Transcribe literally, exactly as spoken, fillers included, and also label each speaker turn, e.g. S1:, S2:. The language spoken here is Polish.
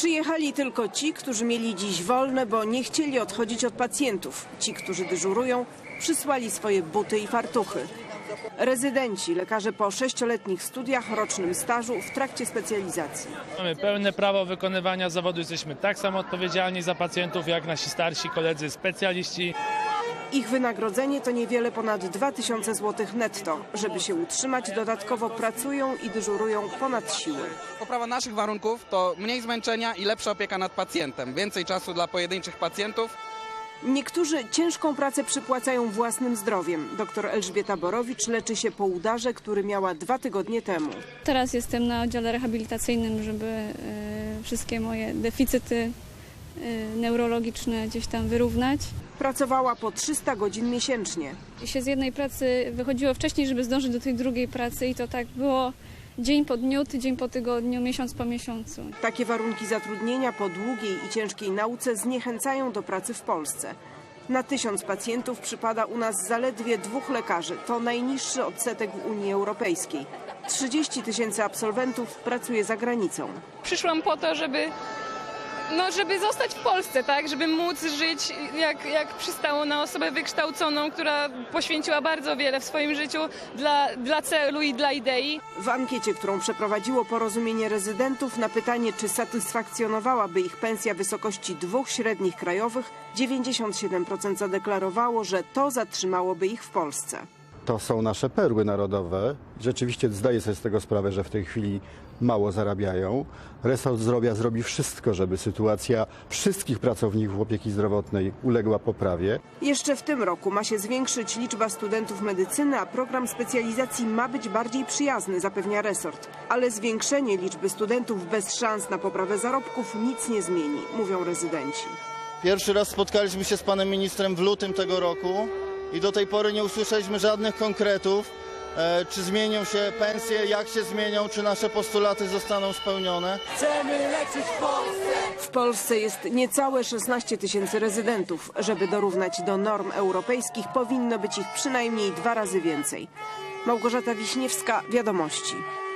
S1: Przyjechali tylko ci, którzy mieli dziś wolne, bo nie chcieli odchodzić od pacjentów. Ci, którzy dyżurują, przysłali swoje buty i fartuchy. Rezydenci, lekarze po sześcioletnich studiach, rocznym stażu w trakcie specjalizacji.
S2: Mamy pełne prawo wykonywania zawodu, jesteśmy tak samo odpowiedzialni za pacjentów jak nasi starsi koledzy specjaliści.
S1: Ich wynagrodzenie to niewiele ponad dwa tysiące złotych netto. Żeby się utrzymać, dodatkowo pracują i dyżurują ponad siły.
S3: Poprawa naszych warunków to mniej zmęczenia i lepsza opieka nad pacjentem. Więcej czasu dla pojedynczych pacjentów.
S1: Niektórzy ciężką pracę przypłacają własnym zdrowiem. Doktor Elżbieta Borowicz leczy się po udarze, który miała dwa tygodnie temu.
S4: Teraz jestem na oddziale rehabilitacyjnym, żeby y, wszystkie moje deficyty y, neurologiczne gdzieś tam wyrównać.
S1: Pracowała po trzysta godzin miesięcznie.
S4: I się z jednej pracy wychodziło wcześniej, żeby zdążyć do tej drugiej pracy i to tak było dzień po dniu, tydzień po tygodniu, miesiąc po miesiącu.
S1: Takie warunki zatrudnienia po długiej i ciężkiej nauce zniechęcają do pracy w Polsce. Na tysiąc pacjentów przypada u nas zaledwie dwóch lekarzy. To najniższy odsetek w Unii Europejskiej. trzydzieści tysięcy absolwentów pracuje za granicą.
S5: Przyszłam po to, żeby, no, żeby zostać w Polsce, tak? Żeby móc żyć jak, jak przystało na osobę wykształconą, która poświęciła bardzo wiele w swoim życiu dla, dla celu i dla idei.
S1: W ankiecie, którą przeprowadziło Porozumienie Rezydentów, na pytanie, czy satysfakcjonowałaby ich pensja wysokości dwóch średnich krajowych, dziewięćdziesiąt siedem procent zadeklarowało, że to zatrzymałoby ich w Polsce.
S6: To są nasze perły narodowe. Rzeczywiście zdaję sobie z tego sprawę, że w tej chwili mało zarabiają. Resort Zdrowia zrobi wszystko, żeby sytuacja wszystkich pracowników opieki zdrowotnej uległa poprawie.
S1: Jeszcze w tym roku ma się zwiększyć liczba studentów medycyny, a program specjalizacji ma być bardziej przyjazny, zapewnia resort. Ale zwiększenie liczby studentów bez szans na poprawę zarobków nic nie zmieni, mówią rezydenci.
S7: Pierwszy raz spotkaliśmy się z panem ministrem w lutym tego roku i do tej pory nie usłyszeliśmy żadnych konkretów, e, czy zmienią się pensje, jak się zmienią, czy nasze postulaty zostaną spełnione.
S8: Chcemy leczyć w Polsce!
S1: W Polsce jest niecałe szesnaście tysięcy rezydentów. Żeby dorównać do norm europejskich, powinno być ich przynajmniej dwa razy więcej. Małgorzata Wiśniewska, Wiadomości.